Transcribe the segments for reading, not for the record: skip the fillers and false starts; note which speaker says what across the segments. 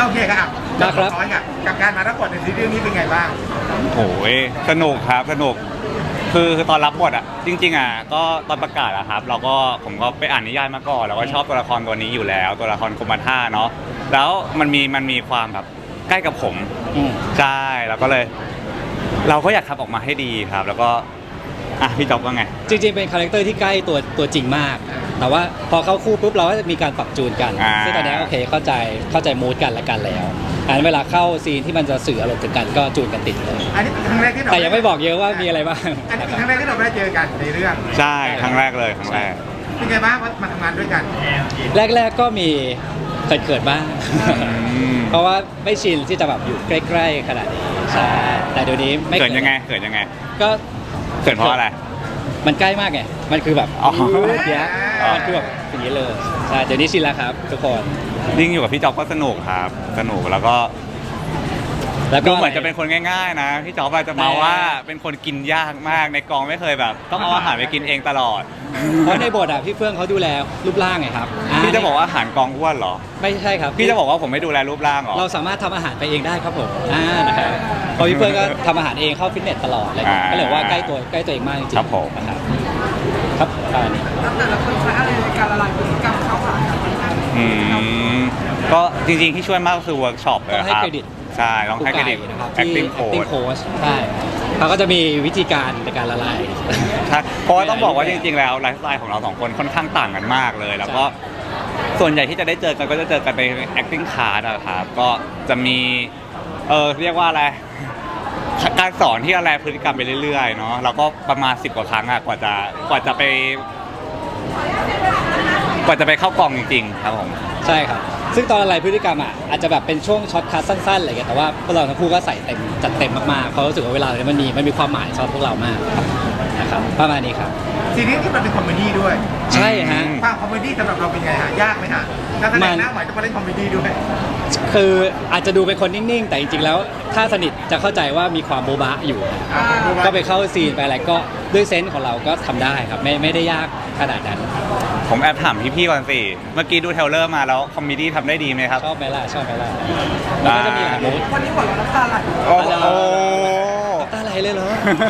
Speaker 1: โอเคครับน้อยกับการมารับบทในซีรีส์นี้เป็นไงบ้าง
Speaker 2: โอ้ยสนุกครับสนุกคือตอนรับบทอ่ะจริงๆอ่ะก็ตอนประกาศอะครับผมก็ไปอ่านนิยายมาก่อนแล้วก็ชอบตัวละครตัวนี้อยู่แล้วตัวละครกุมารท่าเนาะแล้วมันมีความแบบใกล้กับผมใช่แล้วก็เลยเราก็อยากทำออกมาให้ดีครับแล้วก็พี่จ๊อบว่าไง
Speaker 3: จริงๆเป็นคาแรคเตอร์ที่ใกล้ตัวจริงมากแต่ว่าพอเข้าคู่ปุ๊บเราก็จะมีการปรับจูนกันซึ่งตอนนี้โอเคเข้าใจมูดกันและกันแล้วอันเวลาเข้าซีนที่มันจะสื่ออารมณ์ถึงกันก็จูนกันติดเลย
Speaker 1: อันนี้เป็นครั้งแรกที่เรา
Speaker 3: แต่ยังไม่บอกเยอะว่ามีอะไรบ้าง
Speaker 1: อันนี้เป็นครั้งแรกที่เราได้เจอกันในเรื่อง
Speaker 2: ใช่ครั้งแรกเลยครั้งแรก
Speaker 1: เป็นไงบ้างมาทำงานด้วยกัน
Speaker 3: แรกก็มีเขินบ้างเพราะว่าไม่ชินที่จะแบบอยู่ใกล้ๆขนาดนี้ใช่แต่เดี๋ยวนี้ไม่
Speaker 2: เขินยังไง
Speaker 3: ก็
Speaker 2: เขินเพราะอะไร
Speaker 3: มันใกล้มากไงมันคือแบบเนี้ยมันคือแบบอย่างนี้เลยใช่เดี๋ยวนี้ชินแล้วครับทุกคน
Speaker 2: ยิ่งอยู่กับพี่จ๊อบก็สนุกครับสนุกแล้วก็ดูเหมือนจะเป็นคนง่ายๆนะพี่จ๊อบอาจจะมาว่าเป็นคนกินยากมากในกองไม่เคยแบบต้องเอาอาหารไปกินเองตลอด
Speaker 3: เพราะในบทพี่เฟื่องเขาดูแลรูปร่างไงครับ
Speaker 2: พี่จะบอกว่าอาหารกองอ้วนเหรอ
Speaker 3: ไม่ใช่ครับ
Speaker 2: พี่จะบอกว่าผมไม่ดูแลรูปร่างหรอ
Speaker 3: เราสามารถทำอาหารไปเองได้ครับผมนะครับเพราะพี่เฟื่องก็ทำอาหารเองเข้าฟิตเนสตลอดเลยก็เลยว่าใกล้ตัวเองมากจริงๆ
Speaker 2: ครับผม
Speaker 3: ครับ
Speaker 1: นี่แต่ละคนใช้อะไรในการละลายพฤติกรรมเข้าหากัน
Speaker 2: ก็จริงๆที่ช่วยมากก็คือเวิร์กช็อปเลยครับใช่ต้องให้เครดิต
Speaker 3: นะครับacting coach ใช่เขาก็จะมีวิธีการในการละลาย
Speaker 2: ใช่เพราะว่าต้องบอกว่าจริงๆแล้วไลฟ์สไตล์ของเราสองคนค่อนข้างต่างกันมากเลยแล้วก็ส่วนใหญ่ที่จะได้เจอกันก็จะเจอกันใน acting class นะครับก็จะมีเรียกว่าอะไรการสอนที่อะไรพฤติกรรมไปเรื่อยๆเนาะแล้วก็ประมาณ10 กว่าครั้งกว่าจะไปเข้ากองจริงๆครับผม
Speaker 3: ใช่ครับซึ่งตอนอะไรพฤติกรรมอาจจะแบบเป็นช่วงช็อตคัทสั้นๆอะไรอย่างเงี้ยแต่ว่าพวกเราทั้งคู่ก็ใส่เต็มจัดเต็มมากๆเพราะรู้สึกว่าเวลาเนี่ยมันมีความหมายสำหรับพวกเรามากนะครับประมาณนี้ครับ
Speaker 1: ซีรีส์ที่มันเป็นคอมเมดี้ด้วย
Speaker 3: ใช่ฮะ
Speaker 1: ความคอมเมดี้สำหรับเราเป็นไงฮะยากไหมฮะแล้วแสดงหน้าใหม่จะมาเล่นคอมเมดี้ด้วย
Speaker 3: คืออาจจะดูเป็นคนนิ่งๆแต่จริงๆแล้วถ้าสนิทจะเข้าใจว่ามีความโบ๊ะบะอยู่ก็ไปเข้าซีนไปอะไรก็ด้วยเซนส์ของเราก็ทำได้ครับไม่ได้ยากขนาดนั้น
Speaker 2: ผมแอบถามพี่ๆก่อนสิเมื่อกี้ดูเทรลเลอร์มาแล้วคอมเมดี้ทำได้ดีไหมครับ
Speaker 3: ชอบไหมล่ะมันก็จะมีหลายมูด
Speaker 1: วันนี้หมดแล้วน้ำตาไหล
Speaker 3: น้ำตาไหลเลยเหรอ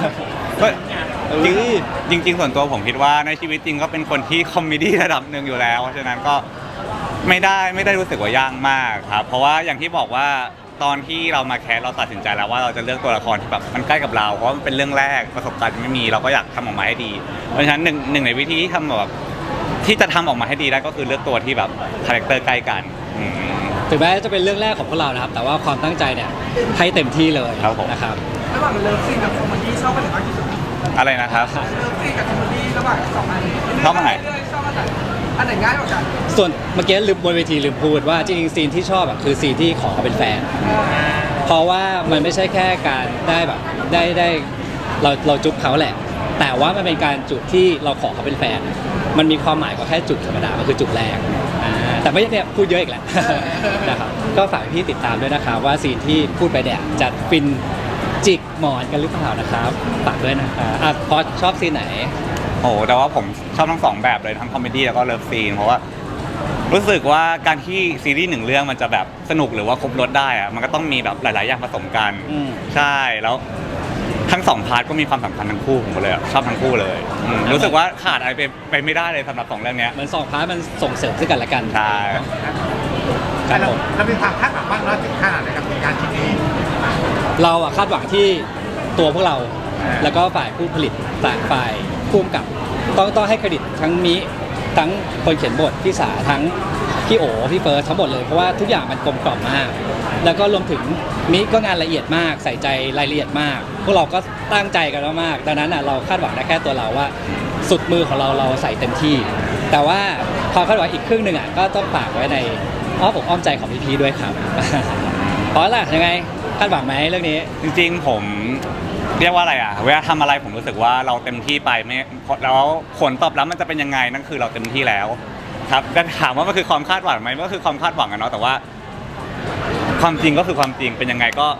Speaker 2: จริงส่วนตัวผมคิดว่าในชีวิตจริงก็เป็นคนที่คอมเมดี้ระดับหนึ่งอยู่แล้วเพราะฉะนั้นก็ไม่ได้รู้สึกว่ายากมากครับเพราะว่าอย่างที่บอกว่าตอนที่เรามาแคสเราตัดสินใจแล้วว่าเราจะเลือกตัวละครที่แบบมันใกล้กับเราเพราะมันเป็นเรื่องแรกประสบการณ์ไม่มีเราก็อยากทำออกมาให้ดีเพราะฉะนั้นหนึ่งในวิธีที่ทำแบบที่จะทำออกมาให้ดีได้ก็คือเลือกตัวที่แบบคาแรคเตอร์ใกล้กัน
Speaker 3: ถึงแม้จะเป็นเรื่องแรกของพวกเรานะครับแต่ว่าความตั้งใจเนี่ยให้เต็มที่เลยนะครับ
Speaker 1: ระหว่างเลิฟซีนกับคอมเมดี้ชอบอะไรมากที่สุด
Speaker 2: อะไรนะครับ
Speaker 1: เลิฟซีนกับคอมเมดี้ระหว่าง2อันนี้
Speaker 2: ชอบอันไหน
Speaker 1: อันไหนง่ายกว่ากัน
Speaker 3: ส่วนเมื่อกี้ลืมบนเวทีลืมพูดว่าจริงๆซีนที่ชอบคือซีนที่ขอเขาเป็นแฟนเพราะว่ามันไม่ใช่แค่การได้แบบได้เราจุ๊บเขาแหละแต่ว่ามันเป็นการจุบที่เราขอเขาเป็นแฟนมันมีความหมายกว่าแค่จุบธรรมดามันคือจุบแรกแต่ไม่ใช่เนี่ยพูดเยอะอีกแหละนะครับก็ฝากพี่ติดตามด้วยนะครับว่าซีนที่พูดไปเนี่ยจะฟินจิกหมอนกันหรือเปล่านะครับฝากด้วยนะครับพอชอบซีนไหน
Speaker 2: โอ้แต่ว่าผมชอบทั้งสองแบบเลยทั้งคอมเมดี้แล้วก็เลิฟซีนเพราะว่ารู้สึกว่าการที่ซีรีส์หนึ่งเรื่องมันจะแบบสนุกหรือว่าครบรสได้อะมันก็ต้องมีแบบหลายๆอย่างผสมกันใช่แล้วทั้ง2 พาร์ทก็มีความสำคัญทั้งคู่ผมเลยชอบทั้งคู่เลยรู้สึกว่าขาดอะไรไปไม่ได้เลยสำหรับ2 เรื่องนี้
Speaker 3: มัน2 พาร์ทมันส่งเสริมซึ่งกันและกัน
Speaker 2: ใช่
Speaker 1: เราเป็นความคาดหวังบ้างเราถึงขนาดไหนกับงานชิ้นนี้
Speaker 3: เราคาดหวังที่ตัวพวกเราแล้วก็ฝ่ายผู้ผลิตฝ่ายผู้กำกับต้องให้เครดิตทั้งมิทั้งคนเขียนบทพี่สาทั้งพี่โอพี่เฟิร์สทั้งหมดเลยเพราะว่าทุกอย่างมันกลมกล่อมมากแล้วก็รวมถึงมิก็งานละเอียดมากใส่ใจรายละเอียดมากพวกเราก็ตั้งใจกันมากดังนั้นเราคาดหวังได้แค่ตัวเราว่าสุดมือของเราใส่เต็มที่แต่ว่าความคาดหวังอีกครึ่งหนึ่งก็ต้องฝากไว้ในอ้อมใจของพี่ด้วยครับเพราะล่ะยังไงคาดหวังไหมเรื่องนี้
Speaker 2: จริงๆผมเรียกว่าอะไรเวลาทำอะไรผมรู้สึกว่าเราเต็มที่ไปไม่แล้วผลตอบรับมันจะเป็นยังไงนั่นคือเราเต็มที่แล้วครับแต่ถามว่ามันคือความคาดหวังไหมมันก็คือความคาดหวังเนาะแต่ว่าความจริงก็คือความจริงเป็นยังไงก็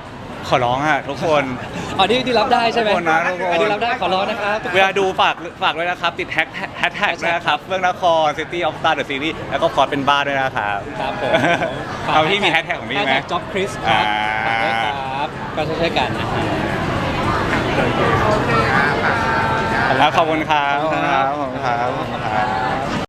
Speaker 2: ขอร้องอ่ะทุกคน
Speaker 3: อ๋อที่รับได้ใช่ไหม
Speaker 2: ทุกคนนะทุกคน
Speaker 3: อันนี้รับได้ขอร้องนะครับ
Speaker 2: เวลาดูฝากด้วยนะครับ ติดแท็กด้วยนะครับเฟื่องนคร City of Star The Series แล้วก็คอร์สเป็นบ้าด้วยนะครับ
Speaker 3: ครับผม
Speaker 2: เอาพี่มีแฮชแท็กของพี่ไหม
Speaker 3: จ็อบคริสครับฝากด้วยครับก็ช่วยๆกันนะฮะ
Speaker 1: โอเคครับ
Speaker 2: ขอบคุณครับขอบคุณครับขอบคุณครับ